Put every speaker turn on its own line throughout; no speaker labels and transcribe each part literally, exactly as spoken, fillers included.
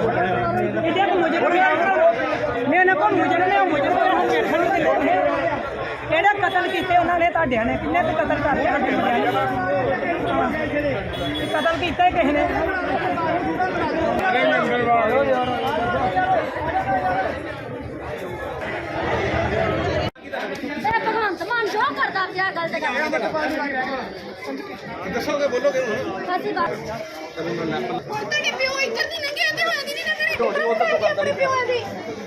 ਇਹਦੇ ਕੋ ਮੁਜਰਮ ਮੈਂ ਨਾ ਕੋ ਮੁਜਰਮ ਨੇ ਮੁਜਰਮ ਨੂੰ ਵੇਖਣ ਦੀ ਲੋੜ ਨਹੀਂ ਕਿਹੜੇ ਕਤਲ ਕੀਤੇ ਉਹਨਾਂ ਨੇ ਤੁਹਾਡਿਆਂ ਨੇ ਕਿੰਨੇ ਤੇ ਕਤਲ ਕਰਦੇ ਆ ਕਤਲ ਕੀਤਾ ਕਿਸੇ ਨੇ
ਭਗਵੰਤ ਮਾਨ ਜੋ ਕਰਦਾ ਪਿਆ ਗਲਤ ਕਰਦਾ
ਦੱਸੋਗੇ ਬੋਲੋਗੇ ਹੁਣ
ਅਸੀਂ ਬਸ ਤੁਹਾਡੇ ਪਿਓ ਇੱਧਰ ਦੀ ਲੰਘਿਆ ਤੇ ਹੋਇਆ ਦੀ ਨਹੀਂ ਲੰਘਣੇ ਤੁਹਾਡੇ ਉੱਧਰ ਤੋਂ ਕਰਦਾ ਨਹੀਂ ਪਿਓ ਦੀ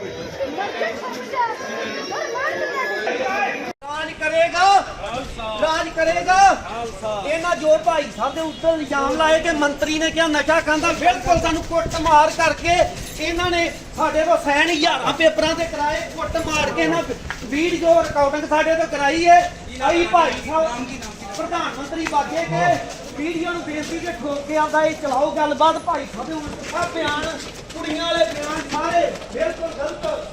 ਰਾਜ ਕਰੇਗਾ ਰਾਜ ਕਰੇਗਾ ਇਹਨਾਂ ਜੋ ਭਾਈ ਸਾਹਿਬ ਦੇ ਉੱਤੇ ਇਲਜ਼ਾਮ ਲਾਏ ਕਿ ਮੰਤਰੀ ਨੇ ਕਿਹਾ ਨਸ਼ਾ ਖਾਂਦਾ ਬਿਲਕੁਲ ਸਾਨੂੰ ਕੁੱਟ ਮਾਰ ਕਰਕੇ ਇਹਨਾਂ ਨੇ ਸਾਡੇ ਕੋਲ ਸੈਨ ਹਜ਼ਾਰਾਂ ਪੇਪਰਾਂ ਤੇ ਕਰਾਏ ਕੁੱਟ ਮਾਰ ਕੇ ਇਹਨਾਂ ਵੀਡੀਓ ਰਿਕਾਰਡਿੰਗ ਸਾਡੇ ਤੋਂ ਕਰਾਈ ਹੈ ਆਈ ਭਾਈ ਸਾਹਿਬ ਪ੍ਰਧਾਨ ਮੰਤਰੀ ਬਾਗੇ ਕੇ ਵੀਡੀਓ ਨੂੰ ਬੇਨਤੀ ਕੇ ਠੋਕ ਕੇ ਆਉਂਦਾ ਇਹ ਚਲਾਓ ਗੱਲਬਾਤ ਭਾਈ ਸਾਹਿਬ ਦੇ ਉੱਤੇ ਬਿਆਨ ਕੁੜੀਆਂ ਵਾਲੇ ਬਿਆਨ ਸਾਰੇ ਬਿਲਕੁਲ ਗਲਤ।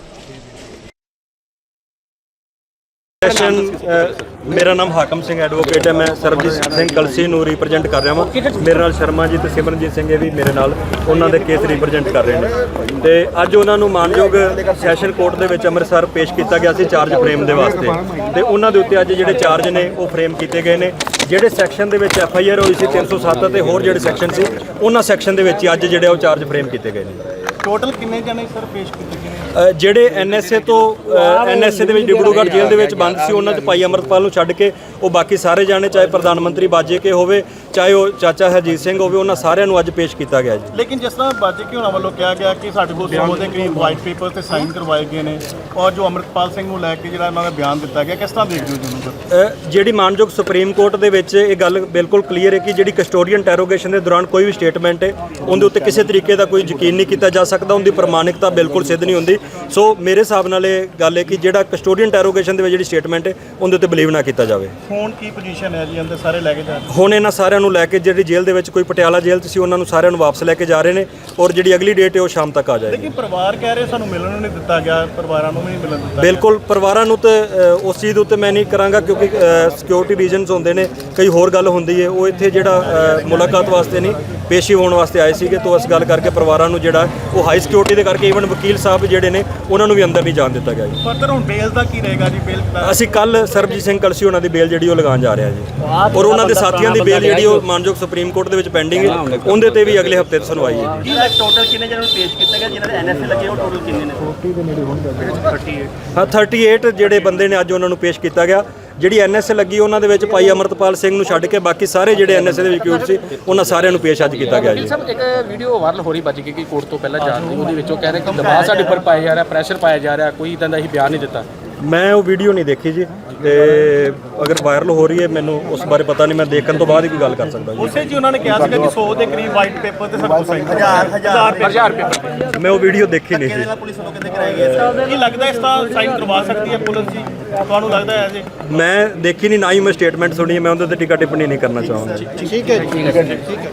ਸੈਸ਼ਨ ਮੇਰਾ ਨਾਮ ਹਾਕਮ ਸਿੰਘ ਐਡਵੋਕੇਟ ਹੈ। ਮੈਂ ਸਰਬਜੀਤ ਸਿੰਘ ਕਲਸੀ ਨੂੰ ਰਿਪਰੈਜ਼ੈਂਟ ਕਰ ਰਿਹਾ ਹਾਂ। ਮੇਰੇ ਨਾਲ ਸ਼ਰਮਾ ਜੀ ਤੇ ਸਿਮਰਨਜੀਤ ਸਿੰਘ ਇਹ ਵੀ ਮੇਰੇ ਨਾਲ ਉਹਨਾਂ ਦੇ ਕੇਸ ਰਿਪਰੈਜ਼ੈਂਟ ਕਰ ਰਹੇ ਨੇ ਤੇ ਅੱਜ ਉਹਨਾਂ ਨੂੰ ਮਾਨਯੋਗ ਸੈਸ਼ਨ ਕੋਰਟ ਦੇ ਵਿੱਚ ਅੰਮ੍ਰਿਤਸਰ ਪੇਸ਼ ਕੀਤਾ ਗਿਆ ਸੀ ਚਾਰਜ ਫਰੇਮ ਦੇ ਵਾਸਤੇ ਤੇ ਉਹਨਾਂ ਦੇ ਉੱਤੇ ਅੱਜ ਜਿਹੜੇ ਚਾਰਜ ਨੇ ਉਹ ਫਰੇਮ ਕੀਤੇ ਗਏ ਨੇ। ਜਿਹੜੇ ਸੈਕਸ਼ਨ ਦੇ ਵਿੱਚ ਐਫ ਆਈ ਆਰ ਹੋਈ ਸੀ ਤਿੰਨ ਸੌ ਸੱਤ ਤੇ ਹੋਰ ਜਿਹੜੇ ਸੈਕਸ਼ਨ ਸੀ ਉਹਨਾਂ ਸੈਕਸ਼ਨ ਦੇ ਵਿੱਚ ਅੱਜ ਜਿਹੜੇ ਉਹ ਚਾਰਜ ਫਰੇਮ ਕੀਤੇ ਗਏ ਨੇ।
ਟੋਟਲ ਕਿੰਨੇ ਜਣੇ ਸਰ ਪੇਸ਼ ਕੀਤੇ ਗਏ
ਅ, ਜਿਹੜੇ ਐਨ ਐਸ ਏ ਤੋਂ ਐਨ ਐਸ ਏ ਦੇ ਵਿੱਚ ਡਿਬਰੂਗੜ੍ਹ ਜੇਲ੍ਹ ਦੇ ਵਿੱਚ ਬੰਦ ਸੀ ਉਹਨਾਂ 'ਚ ਭਾਈ ਅੰਮ੍ਰਿਤਪਾਲ ਨੂੰ ਛੱਡ ਕੇ ਉਹ ਬਾਕੀ ਸਾਰੇ ਜਾਣੇ ਚਾਹੇ ਪ੍ਰਧਾਨ ਮੰਤਰੀ ਬਾਜੇ ਕੇ ਹੋਵੇ ਚਾਹੇ ਉਹ ਚਾਚਾ ਹਰਜੀਤ ਸਿੰਘ ਹੋਵੇ ਉਹਨਾਂ ਸਾਰਿਆਂ ਨੂੰ ਅੱਜ ਪੇਸ਼ ਕੀਤਾ ਗਿਆ ਜੀ।
ਲੇਕਿਨ ਜਿਸ ਤਰ੍ਹਾਂ ਬਾਜੇ ਕੇ ਹੋਣਾ ਵੱਲੋਂ ਕਿਹਾ ਗਿਆ ਕਿ ਸਾਡੇ ਕੋਲ ਸੌ ਦੇ ਕਰੀਬ ਵਾਈਟ ਪੇਪਰ ਤੇ ਸਾਈਨ ਕਰਵਾਏ ਗਏ ਨੇ ਔਰ ਜੋ ਅੰਮ੍ਰਿਤਪਾਲ ਸਿੰਘ ਨੂੰ ਲੈ ਕੇ ਜਿਹੜਾ ਇਹਨਾਂ ਦਾ ਬਿਆਨ ਦਿੱਤਾ ਗਿਆ ਕਿਸ ਤਰ੍ਹਾਂ ਦੇਖਦੇ ਹੋ ਜੀ ਉਹਨੂੰ ਸਰ?
ਅ, ਜਿਹੜੀ ਮਾਨਯੋਗ ਸੁਪਰੀਮ ਕੋਰਟ ਦੇ ਵਿੱਚ ਇਹ ਗੱਲ ਬਿਲਕੁਲ ਕਲੀਅਰ ਹੈ ਕਿ ਜਿਹੜੀ ਕਸਟੋਡੀਅਨ ਇੰਟਰੋਗੇਸ਼ਨ ਦੇ ਦੌਰਾਨ ਕੋਈ ਵੀ ਸਟੇਟਮੈਂਟ ਹੈ ਉਹਦੇ ਉੱਤੇ ਕਿਸੇ ਤਰੀਕੇ ਦਾ ਕੋਈ ਯਕੀਨ ਨਹੀਂ ਕੀਤਾ ਜਾ ਸਕਦਾ, ਉਹਦੀ ਪ੍ਰਮਾਣਿਕਤਾ ਬਿਲਕੁਲ ਸਿੱਧ ਨਹੀਂ ਹੁੰਦੀ। ਸੋ ਮੇਰੇ ਹਿਸਾਬ ਨਾਲ ਇਹ ਗੱਲ ਹੈ ਕਿ ਜਿਹੜਾ ਕਸਟੋਡੀਅਨ ਇੰਟਰੋਗੇਸ਼ਨ ਦੇ ਵਿੱਚ ਜਿਹੜੀ ਸਟੇਟਮੈਂਟ ਹੈ ਉਹਦੇ ਉੱਤੇ ਬਲੀਵ ਨਾ ਕੀਤਾ ਜਾਵੇ।
ਹੁਣ ਕੀ ਪੋਜੀਸ਼ਨ ਹੈ ਜੀ ਅੰਦਰ ਸਾਰੇ ਲੈ ਕੇ ਜਾ ਰਹੇ?
ਹੁਣ ਇਹਨਾਂ ਸਾਰਿਆਂ ਨੂੰ ਲੈ ਕੇ ਜਿਹੜੀ ਜੇਲ੍ਹ ਦੇ ਵਿੱਚ ਕੋਈ ਪਟਿਆਲਾ ਜੇਲ੍ਹ 'ਚ ਸੀ ਉਹਨਾਂ ਨੂੰ ਸਾਰਿਆਂ ਨੂੰ ਵਾਪਸ ਲੈ ਕੇ ਜਾ ਰਹੇ ਨੇ ਔਰ ਜਿਹੜੀ ਅਗਲੀ ਡੇਟ ਹੈ ਉਹ ਸ਼ਾਮ ਤੱਕ ਆ ਜਾਏਗੀ।
ਲੇਕਿਨ ਪਰਿਵਾਰ ਕਹਿ ਰਹੇ ਸਾਨੂੰ ਮਿਲਣ ਨੂੰ ਨਹੀਂ ਦਿੱਤਾ ਗਿਆ, ਪਰਿਵਾਰਾਂ ਨੂੰ ਵੀ ਨਹੀਂ ਮਿਲਣ ਦਿੱਤਾ ਗਿਆ।
ਬਿਲਕੁਲ ਪਰਿਵਾਰਾਂ ਨੂੰ ਤੇ ਅ, ਉਸ ਚੀਜ਼ ਦੇ ਉੱਤੇ ਮੈਂ ਨਹੀਂ ਕਰਾਂਗਾ ਕਿਉਂਕਿ ਸਿਕਿਉਰਿਟੀ ਰੀਜ਼ਨਸ ਹੁੰਦੇ ਨੇ, ਕਈ ਹੋਰ ਗੱਲ ਹੁੰਦੀ ਹੈ। ਉਹ ਇੱਥੇ ਜਿਹੜਾ ਅ, ਮੁਲਾਕਾਤ ਵਾਸਤੇ ਨਹੀਂ ਪੇਸ਼ੀ ਹੋਣ ਵਾਸਤੇ ਆਏ ਸੀਗੇ ਤੋਂ ਇਸ ਗੱਲ ਕਰਕੇ ਪਰਿਵਾਰਾਂ ਨੂੰ ਜਿਹੜਾ ਉਹ ਹਾਈ ਸਿਕਿਉਰਿਟੀ ਦੇ ਕਰਕੇ ਈਵਨ ਵਕੀਲ ਸਾਹਿਬ ਜਿਹੜੇ ਨੇ ਉਹਨਾਂ ਨੂੰ ਵੀ ਅੰਦਰ ਨਹੀਂ ਜਾਣ ਦਿੱਤਾ ਗਿਆ ਜੀ।
ਫਰਦਰ ਹੁਣ ਬੇਲ ਦਾ ਕੀ ਰਹੇਗਾ ਜੀ? ਬੇਲ ਦਾ
ਅਸੀਂ ਕੱਲ ਸਰਬਜੀਤ ਸਿੰਘ ਕਲਸੀ ਉਹਨਾਂ ਦੀ ਬੇਲ ਜਿਹੜੀ ਉਹ ਲਗਾਉਣ ਜਾ ਰਹੇ ਹਾਂ ਜੀ ਔਰ ਉਹਨਾਂ ਦੇ ਸਾਥੀਆਂ ਦੀ ਬੇਲ ਜਿਹੜੀ ਉਹ ਮਾਨਯੋਗ ਸੁਪਰੀਮ ਕੋਰਟ ਦੇ ਵਿੱਚ ਪੈਂਡਿੰਗ ਹੈ, ਉਹਦੇ ਤੇ ਵੀ ਅਗਲੇ ਹਫਤੇ ਸੁਣਵਾਈ ਹੈ।
ਜੀ ਟੋਟਲ ਕਿੰਨੇ ਜਣਾਂ ਨੂੰ ਪੇਸ਼ ਕੀਤਾ ਗਿਆ ਜਿਨ੍ਹਾਂ ਦੇ ਐਨ ਐਸ ਏ ਲੱਗੇ ਉਹ ਟੋਟਲ ਕਿੰਨੇ ਨੇ?
ਹਾਂ ਅਠੱਤੀ ਜਿਹੜੇ ਬੰਦੇ ਨੇ ਅੱਜ ਉਹਨਾਂ ਨੂੰ ਪੇਸ਼ ਕੀਤਾ ਗਿਆ। ਜਿਹੜੀ ਐਨ ਐਸ ਏ ਲੱਗੀ ਉਹਨਾਂ ਦੇ ਵਿੱਚ ਭਾਈ ਅੰਮ੍ਰਿਤਪਾਲ ਸਿੰਘ ਨੂੰ ਛੱਡ ਕੇ ਬਾਕੀ ਸਾਰੇ ਜਿਹੜੇ ਐਨ ਐਸ ਏ ਦੇ ਵਿਕਿਊਟ ਸੀ ਉਹਨਾਂ ਸਾਰਿਆਂ ਨੂੰ ਪੇਸ਼ ਅੱਜ ਕੀਤਾ ਗਿਆ ਜੀ।
ਸਰ ਇੱਕ ਵੀਡੀਓ ਵਾਇਰਲ ਹੋ ਰਹੀ ਬੱਜ ਗਈ ਕਿ ਕੋਰਟ ਤੋਂ ਪਹਿਲਾਂ ਜਾ ਰਹੀ ਉਹਦੇ ਵਿੱਚੋਂ ਕਹਿ ਰਹੇ ਕਿ ਦਬਾਅ ਸਾਡੇ ਉੱਪਰ ਪਾਇਆ ਜਾ ਰਿਹਾ, ਪ੍ਰੈਸ਼ਰ ਪਾਇਆ ਜਾ ਰਿਹਾ, ਕੋਈ ਇਦਾਂ ਦਾ ਹੀ ਬਿਆਨ ਨਹੀਂ ਦਿੱਤਾ।
ਮੈਂ ਉਹ ਵੀਡੀਓ ਨਹੀਂ ਦੇਖੀ ਜੀ ਤੇ ਅਗਰ ਵਾਇਰਲ ਹੋ ਰਹੀ ਹੈ ਮੈਨੂੰ ਉਸ ਬਾਰੇ ਪਤਾ ਨਹੀਂ, ਮੈਂ ਦੇਖਣ ਤੋਂ ਬਾਅਦ ਹੀ ਕੋਈ ਗੱਲ ਕਰ ਸਕਦਾ ਜੀ।
ਉਸੇ ਜੀ ਉਹਨਾਂ ਨੇ ਕਿਹਾ ਸੀਗਾ ਕਿ ਸੌ ਦੇ ਕਰੀਬ ਵਾਈਟ ਪੇਪਰ ਤੇ ਸਾਡੇ ਕੋਲ ਸਾਈਨ ਹਜ਼ਾਰ
ਹਜ਼ਾਰ ਪੇਪਰ
ਮੈਂ ਉਹ ਵੀਡੀਓ ਦੇਖੀ ਨਹੀਂ ਜੀ।
ਪੁਲਿਸ ਵੱਲੋਂ ਕਿੰਨੇ ਕਰਾਏ ਗਏ? ਕੀ ਲੱਗਦਾ ਇਸ ਤਰ੍ਹਾਂ ਸਾਈਨ ਕਰਵਾ ਸਕਦੀ ਹੈ ਪੁਲਿਸ ਜੀ? ਤੁਹਾਨੂੰ ਲੱਗਦਾ ਹੈ ਜੀ?
ਮੈਂ ਦੇਖੀ ਨਹੀਂ, ਨਾ ਹੀ ਮੈਂ ਸਟੇਟਮੈਂਟ ਸੁਣੀ ਹੈ, ਮੈਂ ਉਹਦੇ ਤੇ ਟੀਕਾ ਟਿੱਪਣੀ ਨਹੀਂ ਕਰਨਾ ਚਾਹਾਂਗਾ।
ਠੀਕ ਹੈ ਠੀਕ ਹੈ।